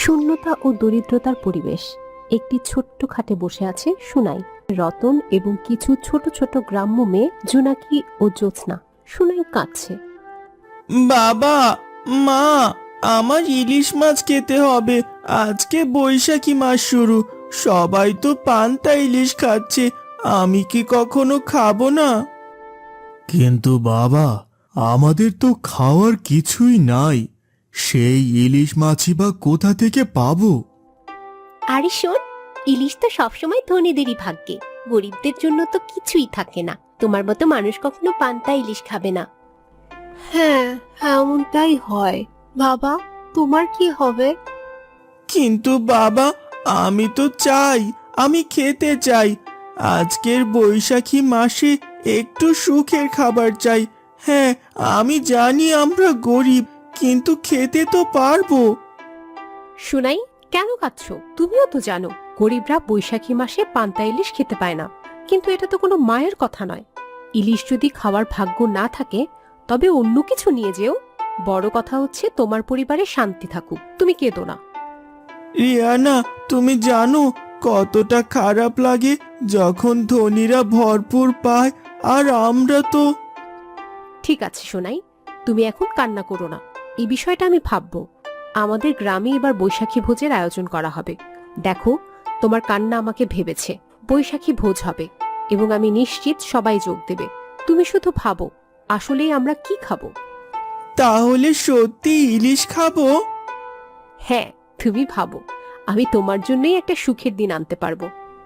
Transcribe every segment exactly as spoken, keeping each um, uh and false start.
শূন্যতা ও দরিদ্রতার পরিবেশ। একটি ছোট্ট খাটে বসে আছে সুনাই, রতন এবং কিছু ছোট ছোট গ্রাম্য মেয়ে জোনাকি ও জ্যোৎস্না। সুনাই কাঁদছে। বাবা, মা, আমার ইলিশ মাছ খেতে হবে। আজকে বৈশাখী মাস শুরু, সবাই তো পান্তা ইলিশ খাচ্ছে, আমি কি কখনো খাবো না? কিন্তু বাবা, আমাদের তো খাওয়ার কিছুই নাই, সেই ইলিশ মাছই বা কোথা থেকে পাবো? আরে শোন, ইলিশ তো সবসময় ধনীদেরই ভাগ্যে, গরিবদের জন্য তো কিছুই থাকে না। তোমার মতো মানুষ কখনো পান্তা ইলিশ খাবে না। হ্যাঁ, এমনটাই হয়। বাবা, তোমার কি হবে? কিন্তু বাবা, আমি তো চাই, আমি খেতে চাই। আজকের বৈশাখী মাসে একটু সুখের খাবার চাই। হ্যাঁ, আমি জানি আমরা গরিব, কিন্তু খেতে তো পারবো। সুনাই, কেন কাঁদছো? তুমিও তো জানো গরিবরা বৈশাখী মাসে পান্তা ইলিশ খেতে পায় না। কিন্তু এটা তো কোনো মায়ের কথা নয়। ইলিশ যদি খাওয়ার ভাগ্য না থাকে তবে অন্য কিছু নিয়ে যেও। বড় কথা হচ্ছে তোমার পরিবারে শান্তি থাকুক। তুমি কেঁদো না। রিয়ানা, তুমি জানো কতটা খারাপ লাগে যখন ধনীরা ভরপুর পায় আর আমরা তো। ঠিক আছে সোনাই, তুমি এখন কান্না করো না। এই বিষয়টা আমি ভাববো। আমাদের গ্রামে এবার বৈশাখী ভোজের আয়োজন করা হবে। দেখো, তোমার কান্না আমাকে ভেবেছে। বৈশাখী ভোজ হবে এবং আমি নিশ্চিত সবাই যোগ দেবে। তুমি শুধু ভাবো, আসলেই আমরা কি খাবো। তাহলে সত্যি ইলিশ খাবো? হ্যাঁ, তুমি ভাবো, আমি তোমার জন্যই একটা সুখের দিন আনতে পারবো।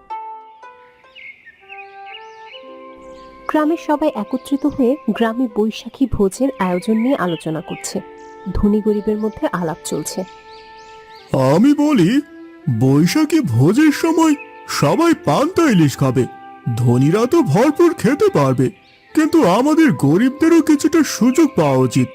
গ্রামের সবাই একত্রিত হয়ে গ্রামে বৈশাখী ভোজের আয়োজন নিয়ে আলোচনা করছে। ধনী গরিবের মধ্যে আলাপ চলছে। আমি বলি, বৈশাখী ভোজের সময় সবাই পান্তা ইলিশ খাবে, ধনীরা তো ভরপুর খেতে পারবে, কিন্তু আমাদের গরিবদেরও কিছুটা সুযোগ পাওয়া উচিত।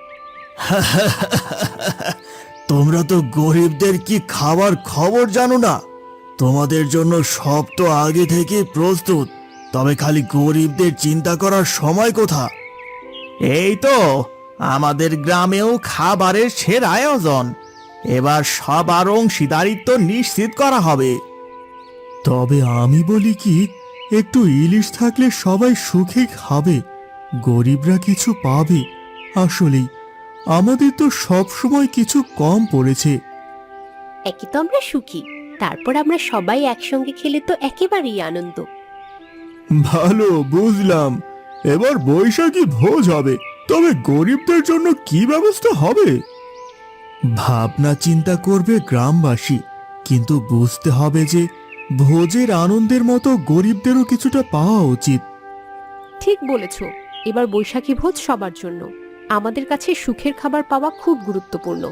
তোমরা তো গরিবদের কি খাবার খবর জানো না? তোমাদের জন্য সব তো আগে থেকে প্রস্তুত, তবে খালি গরিবদের চিন্তা করার সময় কোথা? এই তো আমাদের গ্রামেও খাবারের সেরা আয়োজন, এবার সবার অংশীদারিত্ব নিশ্চিত করা হবে। তবে আমি বলি কি, একটু ইলিশ থাকলে সবাই সুখে খাবে, গরিবরা কিছু পাবে। আসলেই আমাদের তো সব সময় কিছু কম পড়েছে। একে তো আমরা সুখী, তারপর আমরা সবাই একসঙ্গে খেলে তো একেবারেই আনন্দ। ভালো, বুঝলাম। এবার বৈশাখী ভোজ হবে, তবে গরিবদের জন্য কি ব্যবস্থা হবে? ভাবনা চিন্তা করবে গ্রামবাসী, কিন্তু বুঝতে হবে যে ভোজের আনন্দের মতো গরিবদেরও কিছুটা পাওয়া উচিত। ঠিক বলেছ, এবার বৈশাখী ভোজ সবার জন্য। আমাদের কাছে সুখের খাবার পাওয়া খুব গুরুত্বপূর্ণ।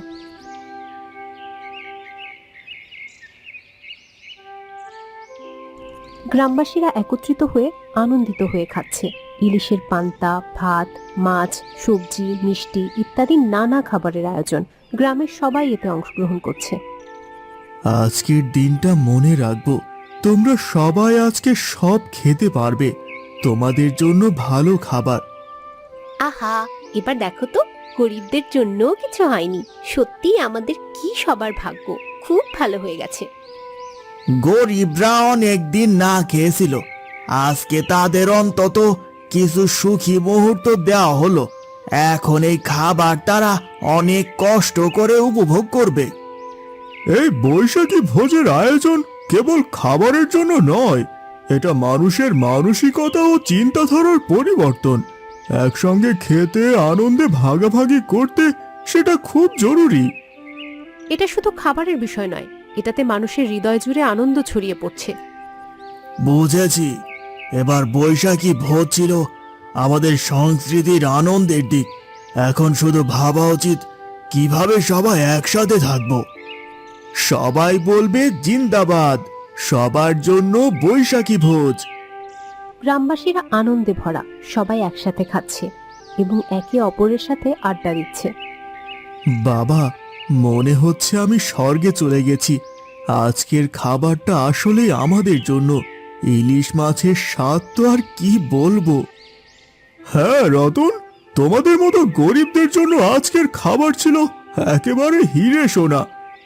গ্রামবাসীরা একত্রিত হয়ে আনন্দিত হয়ে খাচ্ছে। ইলিশের পান্তা, ভাত, মাছ, সবজি, মিষ্টি ইত্যাদি নানা খাবারের আয়োজন। গ্রামের সবাই এতে অংশগ্রহণ করছে। আজকের দিনটা মনে রাখবো, তোমরা সবাই আজকে সব খেতে পারবে, তোমাদের জন্য ভালো খাবার। আহা, এবার দেখো তো, গরিবদের জন্য কিছু হয়নি। সত্যি আমাদের কি সবার ভাগ্য, খুব ভালো হয়ে গেছে। গরিবরা অনেক দিন না খেয়েছিল, আজকে তাদের অন্তত কিছু সুখী মুহূর্ত দেওয়া হলো। এখন এই খাবার তারা অনেক কষ্ট করে উপভোগ করবে। এই বৈশাখী ভোজের আয়োজন কেবল খাবারের জন্য নয়, এটা মানুষের মানসিকতা ও চিন্তাধারার পরিবর্তন। একসঙ্গে খেতে, আনন্দে ভাগাভাগি করতে, সেটা খুব জরুরি। এটা শুধু খাবারের বিষয় নয়, এটাতে মানুষের হৃদয় জুড়ে আনন্দ ছড়িয়ে পড়ছে। বুঝেছি, এবার বৈশাখী ভোজ ছিল আমাদের সংস্কৃতির আনন্দের দিক। এখন শুধু ভাবা উচিত কিভাবে সবাই একসাথে থাকবো। সবাই বলবে জিন্দাবাদ, সবার জন্য বৈশাখী ভোজ। গ্রামবাসীরা আনন্দে ভরা, সবাই একসাথে খাচ্ছে এবং একে অপরের সাথে আড্ডা দিচ্ছে। বাবা, মনে হচ্ছে আমি স্বর্গে চলে গেছি। আজকের খাবারটা আসলেই আমাদের জন্য। ইলিশ মাছের স্বাদ তো আর কি বলবো। হ্যাঁ রতন, তোমাদের মতো গরিবদের জন্য আজকের খাবার ছিল একেবারে হিরে সোনা।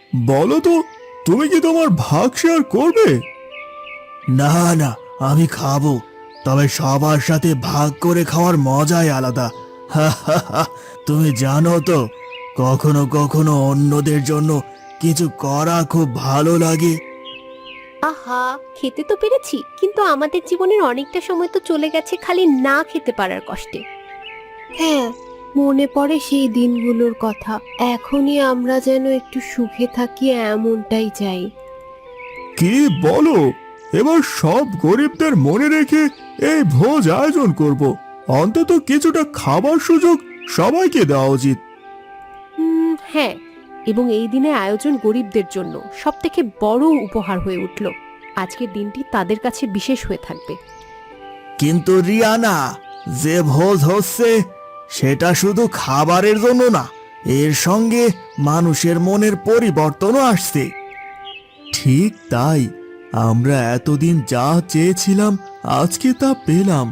বলো তো, তুমি কি তোমার ভাগ শেয়ার করবে? না না, আমি খাবো, তবে সবার সাথে ভাগ করে খাওয়ার মজাই আলাদা। হা হা হা। তুমি জানো তো, কখনো কখনো অন্যদের জন্য কিছু করা খুব ভালো লাগে। আহা, খেতে তো পেরেছি, কিন্তু আমাদের জীবনের অনেকটা সময় তো চলে গেছে খালি না খেতে পারার কষ্টে। হ্যাঁ, মনে পড়ে সেই দিনগুলোর কথা। এখনই আমরা যেন একটু সুখে থাকি, এমনটাই চাই। কি বলো? এবার সব গরিবদের মনে রেখে এই ভোজ আয়োজন করব। অন্তত কিছুটা খাবার সুযোগ সবাইকে দেওয়া উচিত। হুম, হ্যাঁ, এবং এই দিনে আয়োজন গরিবদের জন্য সব থেকে বড় উপহার হয়ে উঠল। আজকের দিনটি তাদের কাছে বিশেষ হয়ে থাকবে। কিন্তু রিয়ানা, যে ভোজ হচ্ছে সেটা শুধু খাবারের জন্য না, এর সঙ্গে মানুষের মনের পরিবর্তনও আসছে। ঠিক তাই, আমরা এতদিন যা চেয়েছিলাম আজকে তা পেলাম।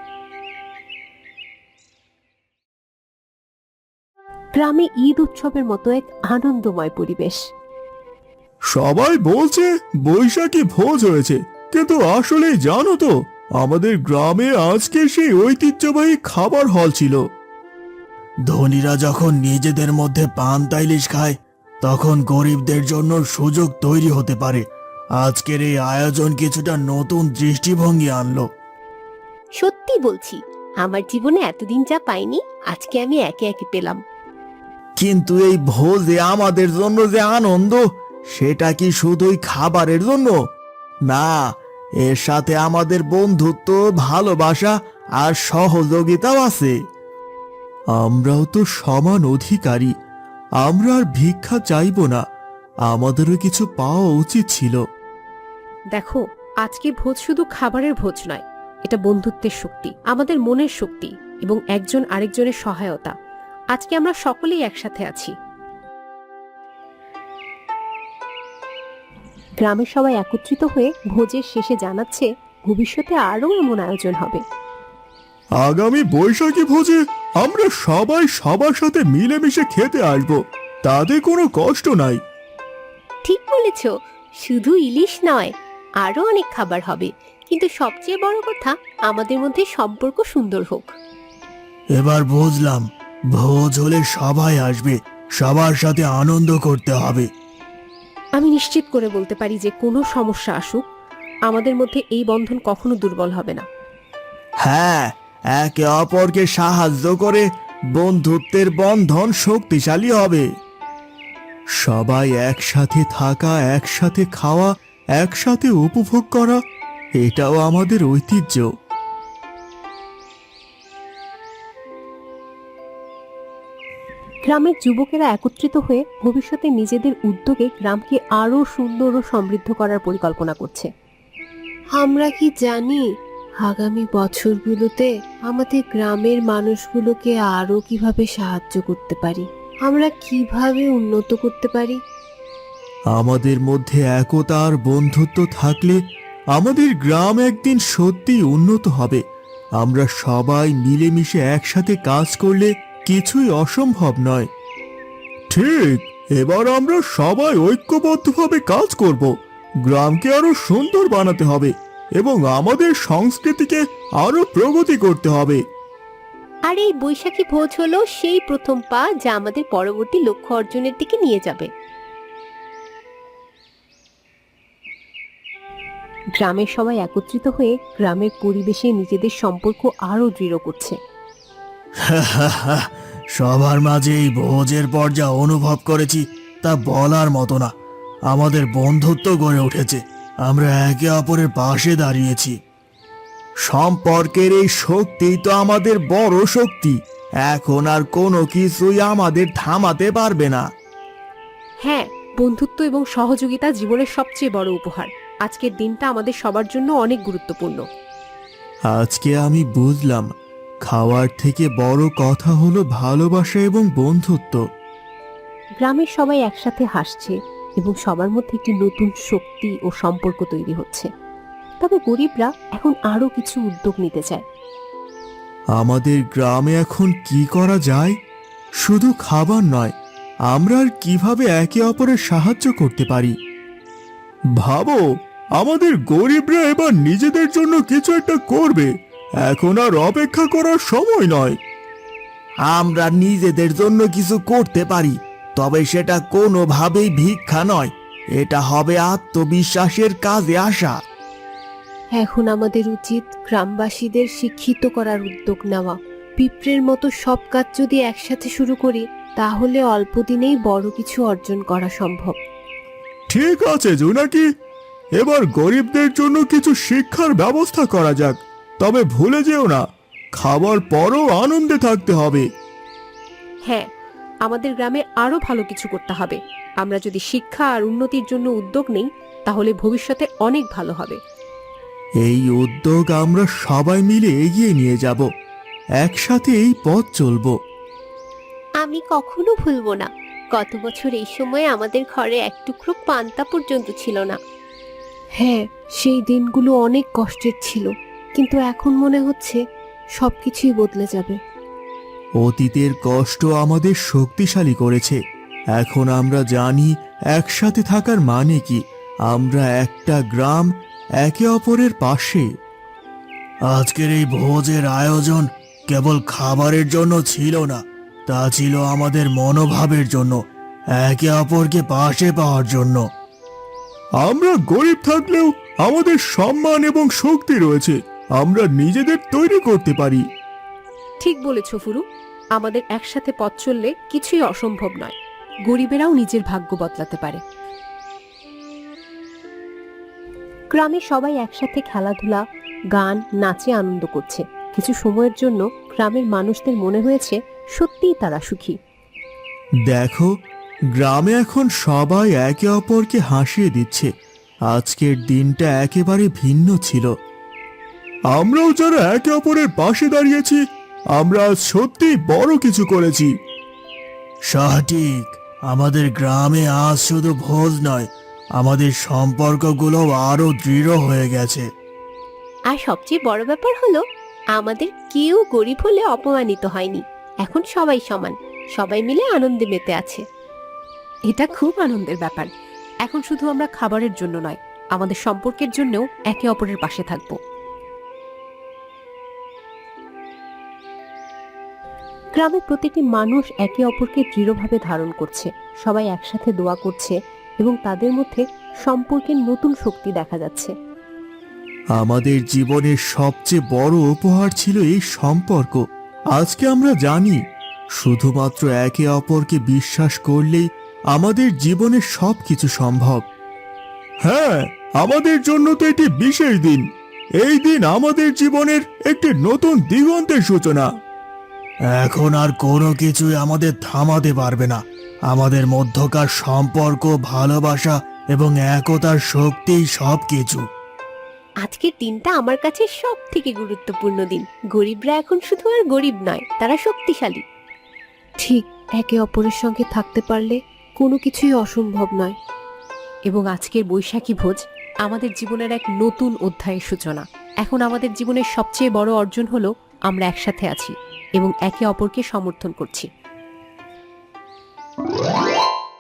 গ্রামে ঈদ উৎসবের মতো এক আনন্দময় পরিবেশ। সবাই বলছে বৈশাখী ভোজ হয়েছে, কিন্তু আসলে জানো তো, আমাদের গ্রামে আজকে সেই ঐতিহ্যবাহী খাবার হল ছিল। ধনীরা যখন নিজেদের মধ্যে পান্তা ইলিশ খায়, তখন গরিবদের জন্য সুযোগ তৈরি হতে পারে। আজকের এই আয়োজন কিছুটা নতুন দৃষ্টিভঙ্গি আনলো। সত্যি বলছি, আমার জীবনে এতদিন যা পাইনি আজকে আমি একে একে পেলাম। কিন্তু এই ভোজে আমাদের জন্য যে আনন্দ, সেটা কি শুধুই খাবারের জন্য? না, এর সাথে আমাদের বন্ধুত্ব, ভালোবাসা আর সহযোগিতাও আছে। আমরাও তো সমান অধিকারী। আমরা আর ভিক্ষা চাইব না, আমাদেরও কিছু পাওয়া উচিত ছিল। দেখো, আজকে ভোজ শুধু খাবারের ভোজ নয়, এটা বন্ধুত্বের শক্তি, আমাদের মনের শক্তি এবং একজন আরেকজনের সহায়তা। আজকে আমরা সকলেই একসাথে আছি। গ্রামের সবাই একত্রিত হয়ে ভোজের শেষে জানাচ্ছে ভবিষ্যতে আরও এমন আয়োজন হবে। আগামী বৈশাখী ভোজে আমরা সবাই সবার সাথে মিলেমিশে খেতে আসবো, তাতে কোনো কষ্ট নাই। ঠিক বলেছ, শুধু ইলিশ নয়, আরো অনেক খাবার হবে, কিন্তু সবচেয়ে বড় কথা আমাদের মধ্যে সম্পর্ক সুন্দর হোক। এবার বুঝলাম, ভোজ হলে সবাই আসবে, সবার সাথে আনন্দ করতে হবে। আমি নিশ্চিত করে বলতে পারি যে কোনো সমস্যা আসুক, আমাদের মধ্যে এই বন্ধন কখনো দুর্বল হবে না। হ্যাঁ, একে অপরকে সাহায্য করে বন্ধুত্বের বন্ধন শক্তিশালী হবে। সবাই একসাথে থাকা, একসাথে খাওয়া, একসাথে উপভোগ করা, এটাও আমাদের ঐতিহ্য। গ্রামের যুবকেরা একত্রিত হয়ে ভবিষ্যতে নিজেদের উদ্যোগে গ্রামকে আরো সুন্দর ও সমৃদ্ধ করার পরিকল্পনা করছে। আমরা কি জানি আগামী বছরগুলোতে আমাদের গ্রামের মানুষগুলোকে আরো কিভাবে সাহায্য করতে পারি, আমরা কিভাবে উন্নত করতে পারি? আমাদের মধ্যে একতা আর বন্ধুত্ব থাকলে আমাদের গ্রাম একদিন সত্যি উন্নত হবে। আমরা সবাই মিলেমিশে একসাথে কাজ করলে কিছুই অসম্ভব নয়। ঠিক, এবার আমরা সবাই ঐক্যবদ্ধভাবে কাজ করব। গ্রামকে আরো সুন্দর বানাতে হবে এবং আমাদের সংস্কৃতিকে আরো প্রগতি করতে হবে। আর এই বৈশাখী ভোজ হলো সেই প্রথম পা, যা আমাদের পরবর্তী লক্ষ্য অর্জনের দিকে নিয়ে যাবে। গ্রামের সবাই একত্রিত হয়ে গ্রামের পরিবেশে নিজেদের সম্পর্ক আরো দৃঢ় করছে। সবার মাঝে এই ভোজের পর যা অনুভব করেছি তা বলার মতো না। আমাদের বন্ধুত্ব গড়ে উঠেছে, আমরা একে অপরের পাশে দাঁড়িয়েছি। সম্পর্কের এই শক্তি তো আমাদের বড় শক্তি। এখন আর কোনো কিছুই আমাদের থামাতে পারবে না। হ্যাঁ, বন্ধুত্ব এবং সহযোগিতা জীবনের সবচেয়ে বড় উপহার। আজকের দিনটা আমাদের সবার জন্য অনেক গুরুত্বপূর্ণ। আজকে আমি বুঝলাম, খাওয়ার থেকে বড় কথা হলো ভালোবাসা এবং বন্ধুত্ব। গ্রামের সবাই একসাথে হাসছে এবং সবার মধ্যে একটি নতুন শক্তি ও সম্পর্ক তৈরি হচ্ছে। তবে গরিবরা এখন আরো কিছু উদ্যোগ নিতে চায়। আমাদের গ্রামে এখন কি করা যায়? শুধু খাবার নয়, আমরা আর কিভাবে একে অপরের সাহায্য করতে পারি। ভাবো, আমাদের গরিবরা এবার নিজেদের জন্য কিছু একটা করবে। এখন আর অপেক্ষা করার সময় নয়। আমরা নিজেদের জন্য কিছু করতে পারি, তবে সেটা কোনোভাবেই ভিক্ষা নয়। এটা হবে আত্মবিশ্বাসের কাজে আসা। এখন আমাদের উচিত গ্রামবাসীদের শিক্ষিত করার উদ্যোগ নেওয়া। পিঁপড়ের মতো সব কাজ যদি একসাথে শুরু করি, তাহলে অল্প দিনেই বড় কিছু অর্জন করা সম্ভব। ঠিক আছে জোনাকি, এবার গরিবদের জন্য কিছু শিক্ষার ব্যবস্থা করা যাক। তবে ভুলে যেও না, খাবার পরও আনন্দে থাকতে হবে। হ্যাঁ, আমাদের গ্রামে আরো ভালো কিছু করতে হবে। আমরা যদি শিক্ষা আর উন্নতির জন্য উদ্যোগ নেই, তাহলে ভবিষ্যতে অনেক ভালো হবে। এই উদ্যোগ আমরা সবাই মিলে এগিয়ে নিয়ে যাব। একসাথে এই পথ চলবো। আমি কখনো ভুলবো না, গত বছর এই সময় আমাদের ঘরে এক টুকরো পান্তা পর্যন্ত ছিল না। হ্যাঁ, সেই দিনগুলো অনেক কষ্টের ছিল, কিন্তু এখন মনে হচ্ছে সবকিছুই বদলে যাবে। অতীতের কষ্ট আমাদের শক্তিশালী করেছে। এখন আমরা জানি একসাথে থাকার মানে কি। আমরা একটা গ্রাম, একে অপরের পাশে। আজকের এই ভোজের আয়োজন কেবল খাবারের জন্য ছিল না, তা ছিল আমাদের মনোভাবের জন্য, একে অপরকে পাশে পাওয়ার জন্য। আমরা গরিব থাকলেও আমাদের সম্মান এবং শক্তি রয়েছে। আমরা নিজেদের তৈরি করতে পারি। ঠিক বলেছ ফুরু, আমাদের একসাথে পথ চললে কিছুই অসম্ভব নয়। গরিবেরাও নিজের ভাগ্য বদলাতে পারে। গ্রামে সবাই একসাথে খেলাধুলা, গান, নাচে আনন্দ করছে। কিছু সময়ের জন্য গ্রামের মানুষদের মনে হয়েছে সত্যিই তারা সুখী। দেখো, গ্রামে এখন সবাই একে অপরকে হাসিয়ে দিচ্ছে। আজকের দিনটা একেবারে ভিন্ন ছিল। আমরাও যারা একে অপরের পাশে দাঁড়িয়েছি, আমরা আজ সত্যিই বড় কিছু করেছি। সঠিক, আমাদের গ্রামে আজ শুধু ভোজ নয়, আমাদের সম্পর্কগুলো আরো দৃঢ় হয়ে গেছে। আর সবচেয়ে বড় ব্যাপার হলো, আমাদের কেউ গরিব হলে অপমানিত হয়নি। এখন সবাই সমান, সবাই মিলে আনন্দে মেতে আছে। এটা খুব আনন্দের ব্যাপার। এখন শুধু আমরা খাবারের জন্য নয়, আমাদের সম্পর্কের জন্যও একে অপরের পাশে থাকব। গ্রামের প্রতিটি মানুষ একে অপরকে দৃঢ়ভাবে ধারণ করছে। সবাই একসাথে দোয়া করছে এবং তাদের মধ্যে সম্পর্কের নতুন শক্তি দেখা যাচ্ছে। আমাদের জীবনের সবচেয়ে বড় উপহার ছিল এই সম্পর্ক। আজকে আমরা জানি, শুধুমাত্র একে অপরকে বিশ্বাস করলেই আমাদের জীবনে সবকিছু সম্ভব। হ্যাঁ, আমাদের জন্য তো এটি বিশেষ দিন। এই দিন আমাদের জীবনের একটি নতুন দিগন্তের সূচনা। এখন আর কোনো কিছুই আমাদের থামাতে পারবে না। আমাদের মধ্যকার সম্পর্ক, ভালোবাসা এবং একতার শক্তিই সবকিছু। আজকের দিনটা আমার কাছে সব থেকে গুরুত্বপূর্ণ দিন। গরিবরা এখন শুধু আর গরিব নয়, তারা শক্তিশালী। ঠিক, একে অপরের সঙ্গে থাকতে পারলে কোনো কিছুই অসম্ভব নয়। এবং আজকের বৈশাখী ভোজ আমাদের জীবনের এক নতুন অধ্যায়ের সূচনা। এখন আমাদের জীবনের সবচেয়ে বড় অর্জন হলো আমরা একসাথে আছি এবং একে অপরকে সমর্থন করছি।